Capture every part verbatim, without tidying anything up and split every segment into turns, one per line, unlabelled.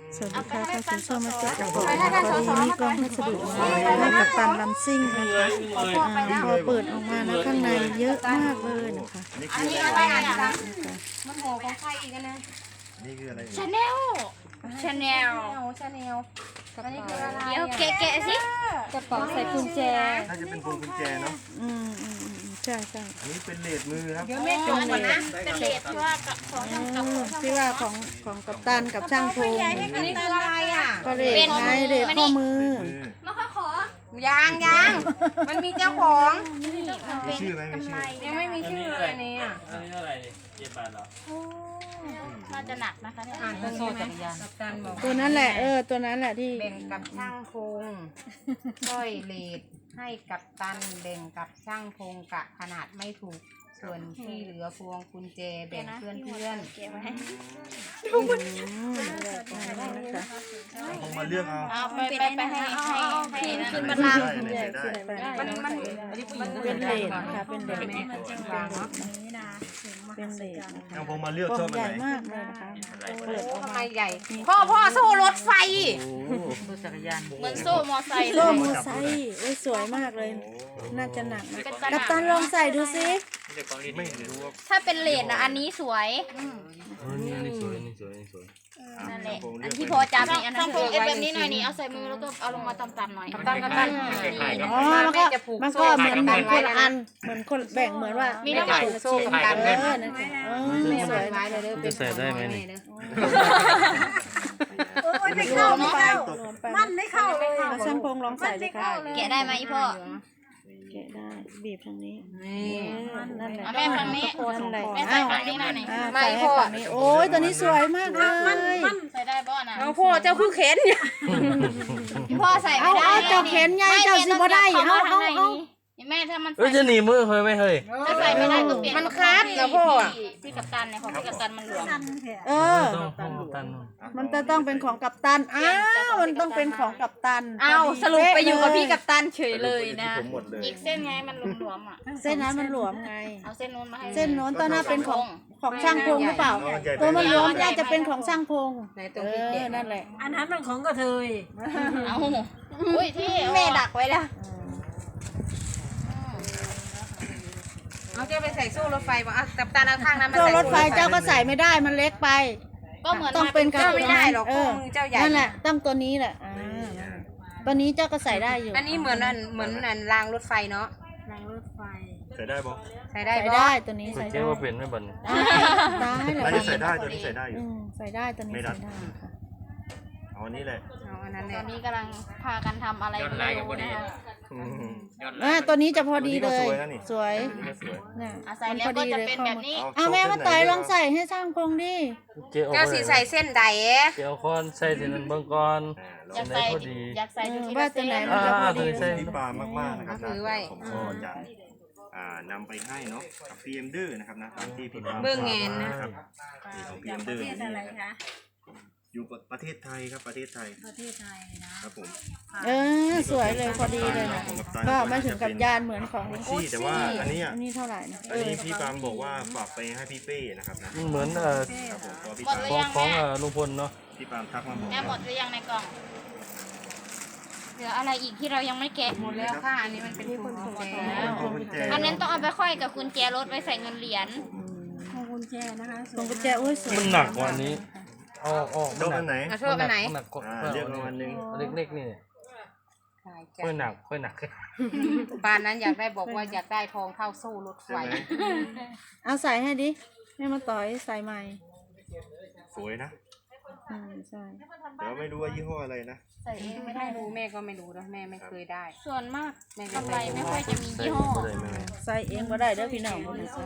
สวัสดีค่ะท่านผู้ชมมาเจอกับผมนะคะพอดีมีกล่องพัสดุมาให้กับตันลำซิ่งนะคะพอเปิดออกมานะข้างในเยอะมากเลยนะคะ
อันนี้อะไรอ่ะมันโหของใครอีกนะ
นี่คืออะไร
ชาแนลชาแนลชาแนลอันนี้คืออะไรเดี๋ยวแกะแกะสิกระเป๋าใส่กุญแจ
น่าจะเป็นพวงกุญแจเนาะ
อืมอืมใช่ใช่
อันนี้เป็นเลดมือครับ
เดี๋ยวแม่จงก่อนนะเป็นเลดที่ว่าของกับ
ที่ว่าของของกัปตันกับช่างพง
อันนี้คืออะไรอ่ะ
ก็เลดไงเลดข้อมือ
มาขอขอยางยางมันมีเจ้าของ
มีชื่อไหมมีชื่อ
ยังไม่มีชื่อเลยนี่อ่ะ
อันนี้อะไรเจ็ดบาทเหรอ
น่าจะหนักนะคะเนี่ยอ่านตัวนี้ไหมกัปตันบอก
ตัวนั้นแหละเออตัวนั้นแหละที่
แบ่งกับช่างพงสร้อยเลดให้กับตันแบ่งกับช่างพงกะขนาดไม่ถูกส่วนที่เหลือพวงกุญแจแบ่งเพื่อนเพื่อน
ผมมาเลือกเอา
เอาไปไปไปให้ให้ให้ขึ้นมาลังมันมัน
เป็นเลดค่ะเป็นเลด
เป็น
เลด
เอาผมมาเลือกชอบอัน
ให
ไห
ญ่
น
มากเลยนะคะเปิดออก
ทำไม
มา
ใหญ่พ่อพ่อโซ่รถไฟเหมือนโซ่มอไซค์
โซ่มอไซค์โอ้ยสวยมากเลยน่าจะหนักนะกัปตันลองใส่ดูสิ
ไม่รู้ว่า
ถ้าเป็นเลดนะอันนี้สวย
นี่นี่สวยนี่สวยนี่สวย
นั่นแหละอันที่พอจับนี่อันนั้นคือเอฟแบบนี้หน่อยนี่เอาใส่มือแล้วก็เอาลงมาต่ำๆหน่อยต่ำๆต่ำ
อ๋อแล้วก็มันก็เหมือนเหมือนคนละอันเหมือนคนแบ่งเหมือนว่า
มีน้ำมันโซ่กัน
เออนั่นเออสวยมากเลย
จะใส่ได้ไหมนี่
โอ้ยไม่เข้าไม่เข้ามันไม่เข้าเลย
ช่างพงลองใส่ดิค่ะ
แกะได้ไหมพ่อ
แกะได้บีบทางนี้นั่นแหละ
แม่ฝั่งนี้
นั่นแหละ
แม่ใส่ฝั่งนี้หน่อย
ไม่พ่อโอ้ยตัวนี้สวยมากเลย
ใส่ได้บ่นะ
เอาพ่อเจ้าคือเข็น
พ่อใส่ไม่ได้
เอาเจ้าเข็นไงเจ้าซื้อบ่ได้เอาเอาเอา
แม่ถ้ามัน
เอ้ยจะหนีมือเคยไหมเฮ้ย
ถ้าใส่ไม่ได้ก็เปลี่ยนมันคาดแล้วพ่อที่กัปตันเนี่ยของที่กัปตันมันหลวม
เออมันจะต้องเป็นของกัปตันอ้าวมันต้องเป็นของกัปตัน
อ้าวสรุปไปอยู่กับพี่กัปตันเฉยเลยนะอีกเส้นไงมันหลวมๆอ่ะ
เส้นนั้นมันหลวมไง
เอาเส้นนู้นมาให้
เส้นโน้นตอนนั้นเป็นของของช่างพงหรือเปล่าตัวมันหลวมน่าจะเป็นของช่างพงเออนั่นแหละ
อันนั้นมันของกระเทย
เอาอุ้ยที่แม่ดักไว้แล้วเอาเจ้าไปใส่โซ่รถไฟบ่อ่ะกัปตันเอาข้างนั้นมา
โซ่
ใส่
รถไฟเจ้าก็ใส่ไม่ได้มันเล็กไป
ก็เหมือน
ต้องเป็นกับ
ไม่ได้หรอกเจ้าใหญ่
นั่นแหละต้องตัวนี้แหละตัวนี้เจ้าก็ใส่ได้อยู่
อันนี้เหมือนนั่นเหมือนนั่นรางรถไฟเนาะ
รางรถไฟ
ใส่ได้ปะ
ใส่ได้
ใส่ได้ตัวนี้ใส่ได้
เจ๊ว่าเป็นไม่บัน
ได้เลย
น่าจะใส่ได้ตัวนี้ใส่ได้อยู่
ใส่ได้ตัวนี้ใส่ได้
เอาอันนี้แหละ
เอาอันนั้นแหละตอนนี้กำลังพากันทำอะไรกันอยู่นะคะ
อ่าตัวนี้จะพอดีเลยสวย
เนี่ยใส่แล้วก็จะเป็นแบบนี้
อ่าแม่มาต่อยลองใส่ให้ช่างพงดิ
เจ้าสีใส่เส้นใดเอ๊ะ
เจ้าคอนใส่ที่นั่นเบื้องก่อน
อยากใส่อยากใส่ดูที่
ว่าตัวไหนมันจะพอดี
ที่ปามมากๆนะครับนะผมก็จะนำไปให้เนาะกับพีเอ็มดื้อนะครับนะตามที่พี่ปาม
เบื้องเงินนะครับ
นี่ของพีเอ็มดื้อนี่
อะไรคะ
อยู่ประเทศไทยครับประเทศไทย
ประเทศไทยนะครับ
ผม
เออสวยเลยพอดีเลยนะก็ไม่ถึงกับยานเหมือนของ
ลุงซี่แต่ว่าอันนี้
อันนี้เท่าไหร่นะ
อันนี้พี่ปามบอกว่าฝากไปให้พี่เป้นะครับนะ
เหมือนเอ่อของของลุงพลเนาะ
พี่ปามทักมาบอก
แม่หมดหรือยังในกล่องเหลืออะไรอีกที่เรายังไม่แกะหมดแล้วค่ะอันนี้มันเป็นพวงกุญแจอันนั้นต้องเอาไปค่อยกับกุญแจรถไว้ใส่เงินเหรียญ
พวงกุญแจนะคะ
พวงกุญแจโอ้ยสวย
มันหนักกว่านี้อ๋ออ๋อ
โดนอันไหน
โชว์อันไหน
เรียกมาวันนึง
เล็กๆนี่ค่อยหนักค่อยหนัก
ปานนั้นอยากได้บอกว่าอยากได้ทองเท่าโซ่รถไฟ
เอาใส่ให้ดิให้มาต่อยใส่ใหม่
สวยนะ
อืมใช่
แต่ว่าไม่รู้ว่ายี่ห้ออะไรนะ
ใส่เองไม่ได้รู้แม่ก็ไม่รู้นะแม่ไม่เคยได้ส่วนมากกำไรไม่ค่อยจะมียี่ห้อ
ใส่เองก็ได้เด้อพี่น้อง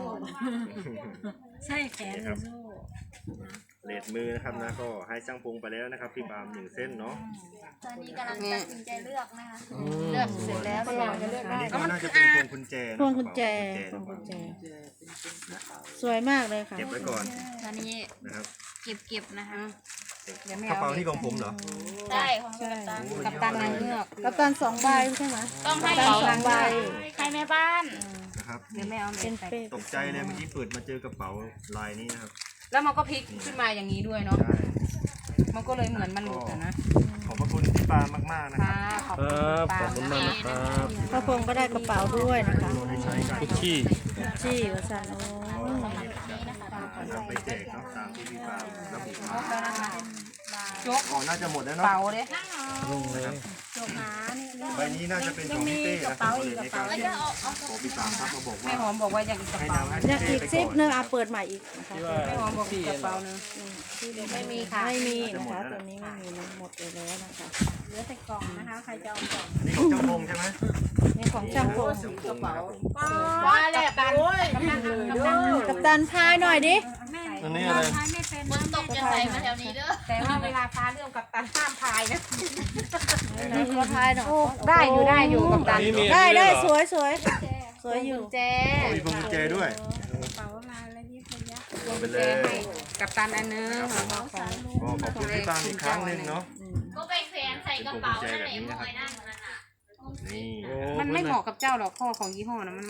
ใช่แขนโซ่
เลดมือนะครับนะก็ให้ช่างพงไปแล้วนะครับพี่ปามหนึ่งเส้นเนาะ
ตอนนี้กำลังตัดสินใจเลือกนะคะเลือกเสร็จแล้วก็จะเลือกได้
ก็น่าจะเป็นพวงกุญแจ
พวงกุญแจพวงกุญแจสวยมากเลยค่ะ
เก็บไว้ก่อน
ตอนนี้
นะครับ
เก็บเก็บนะคะ
กระเป๋านี่ของผมเหรอ
ใช่ของกัปตันกัปตันนางเงือก
กัปตันสองใบใช่ไหม
ต้องให้สองใบใครแม่บ้าน
นะครับ
เดี๋ยวแม่เอา
เป็นเป๊ะ
ตกใจเลยเมื่อกี้เปิดมาเจอกระเป๋าลายนี้นะครับ
แล้วมันก็พลิกขึ้นมาอย่างนี้ด้วยเนาะมันก็เลยเหมือนมันหลุดอะนะ
ขอบพระคุณพี่ปามากๆนะค
ค่ะ
รับ
ขอบ
ค
คุ
รั
ณ
บ
ป้า
ขอบคุณมากนะครับ
พ่อพงษ์ก็ได้กระเป๋าด้วยนะคะ
ได้ใช้กัน
คุกกี้
จี้วสันโอ้
นำไปแจกเนาะตามที่พี่ปามระบุมา
แล้วนะคะยก
อ๋อน่าจะหมดแล้วเนาะ
เป๋าเลย
ลงเลย
จบหานี่เรื่อง
ใบนี้น่าจะเป็นของพี่เต้นะผมก็เลยในการที่ขอพี่ปามครับมาบอก
แม่
ว่า
หอมบอกว่าอยากอีกกระ
ให้
เป๋า
นำให้
ยัง
พี่
อี
เต้
ก
ไป
ซิป
ก่อน
หนึงเอาเปิดใหม่อีกนะคะ
แม่หอมบอกอีกกระเป๋านึงไม่มีค่ะ
ไม่มีนะคะตัวนี้ไม่มีนะหมดไปแล้วนะคะ
เหลือแต่กล่องนะคะ ใครจะเอากล่อง
อันนี้ของเจ้าพงใช่ไหม
นี่ของช่างพงษ์
กระเป๋า
ว่าแหละกันกำลังกำลัง
กับตันพายหน่อยดิ
แม่
อันนี้อะไร
ใช้ไม่เป็น
ฝนตกจะใส่มาแถวนี้เด้อ
แต่ว่าเวลาฟ้าเรื่องกับตันห้ามพายนะ
ไหนขอพายหน่อย
ได้อยู่ได้อยู่กับตัน
นี่มี
ได้ได้
อันนี้
ส
ด้วยเหรอ
วยสวยสวยอยู่
แจ
โอ้ยพวงกุญแจด้วย
กระเป๋าลายและยิบระยะ
เอาไป
แจ
เลย
ให้กับตันอันนึงแล้วก็ของ
ก็ขอบคุณพี่ปามอีกครั้งหนึ่งเนาะ
ก็ไปแขวนใส่กระเป๋านั่นแหละมอยนั่นนั่นน่ะ
นี่
โอ้
มันไม่เหมาะกับเจ้าหรอกข้อของยี่ห้อนะมันมา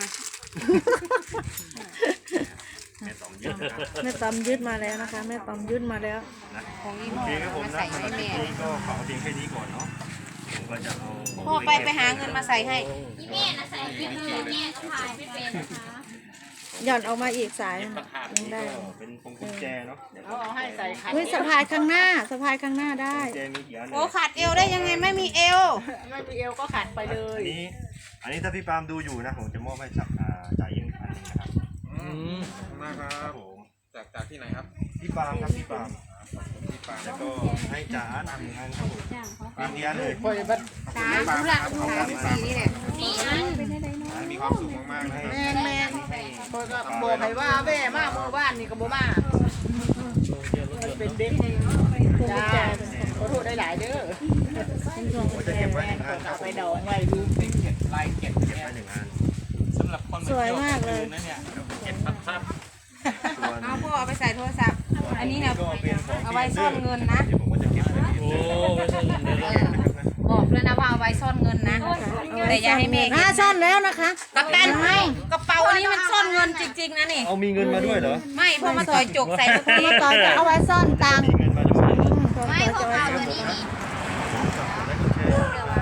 แม่ตอมยึดนะครับ
แม่ตอมยึดมาแล้วนะคะแม่ตอมยึดมาแล้ว
นะ
ของยี่
โอ
ห้อ
เคครับผม
มา
นะ
ใส่
สำหรับ
ให้
คลิป
แม่
นี้ก็ขอเพียงแค่นี้ก่อนเนาะผมก็จะเอาของ
พ่อไปไปหาเงินมาใส่ให้
อีแม่น่ะใส่ไม่เป็นแม่ก็พายไม่เป็นนะคะ
หย่อนออกมาอีกสายยังได้
ก็เป็นพวงกุญแจเนาะเดี๋ยว
เอาให้ใส่ค่ะ
เฮ้ยสะพายข้างหน้าสะพายข้างหน้าได้
กุญแจมีกี่อัน
โอ้ขาดเอวได้ยังไงไม่มีเอว
อันนี้อันนี้ถ้าพี่ปามดูอยู่นะผมจะมอบให้จับอ่าจ่ายเองอันหนึงนะครับ
อืม
มากค
ค
รั
รั
บบ
ผม
จากจากที่ไหนครับ
พี่ปามครับพี่ปาม
พี่ปาง
แล้วก็ให้จ่าอาร์ตอันหนึ่งอันครับผม
จ้างเขา
มีกี่อันเลย
สามธุระสามสี่นี่แหละ
นี่นะ
มีความสุขมากๆนะครับ
แม่แม่
บอกให้ว่าแม่มาเมื่อวานนี่ก็บ่มาเป็นเด็ก
พวงกุญแจ
ขอโทษได้หลายเด้อ
เป็นพวง
ผ
กุ
ม
ญ
จะ
แจ
เก็บไว้หนึ่งอันค
กลั
รั
บบ
ผ
ไป
ม
ดองไว้ดู
เก็บลายเก็บ
เก็บไว้หนึ่งอัน
สำหรับคน
สวยมากเลย
นะเนี่ยเก็บครับครับ
ส่วน
เอาพ่อเอาไปใส่โทรศัพท์ อันนี้เนี่ย
ก็เป็นของ
เอาไว้ซ่อนเงินนะ
เดี๋ยวผมก็จะเก็บไว้ใน
โอ้ไม่ใช่เดี๋ยวเรา
บอกเลยนะว่าเอาไว้ซ่อนเงินนะ แต่อย่าให้แม่
อ่าซ่อนแล้วนะคะ
กับตันให้กระเป๋าอันนี้มันซ่อนเงินจริงๆนะนี่
เอามีเงินมาด้วยเหรอ
ไม่พอมาต่อยจกใส่เมื่อกี้
มาต่อยจะเอาไว้ซ่อนตังค์
มีเงินมาด้วย
ไม่
ต่อย
พว
จะ
ก
ไว้
เรา
ซ่อน
ตัวนี้นี่
และกุญแจครับ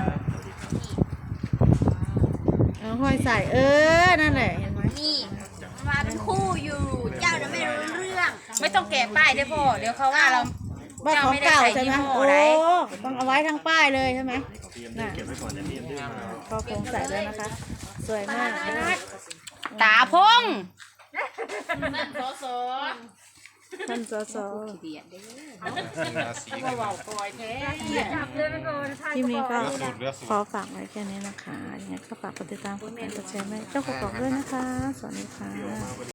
เอาห้อยใส่เออนั่นแหละเห็นไหม
นี่มาเป็นคู่อยู่ เจ้าจะไม่รู้เรื่อง
ไม่ต้องแกะป้ายด้วยพ่อเดี๋ยวเขาว่าเรา
บ้านของเก่าใช่ไหมโอ้ต้องเอาไว้ทั้งป้ายเลยใช่ไหม
นี่ของพี่เอ็มเก็บไว้ก่อนเดี๋ยวพี่เอ็มดื้อมา
ก็คงใส่ด้วยนะคะ สวยมาก
ตาพง
นั่นโซโซ
ท่านสส
ราศี
เบาๆปล่อยแท้
คลิปนี้ก็ขอฝากไว้แค่นี้นะคะยังไงก็ฝากกดติดตามกดไลค์กดแชร์ให้เจ้าของด้วยนะคะ สวัสดีค่ะ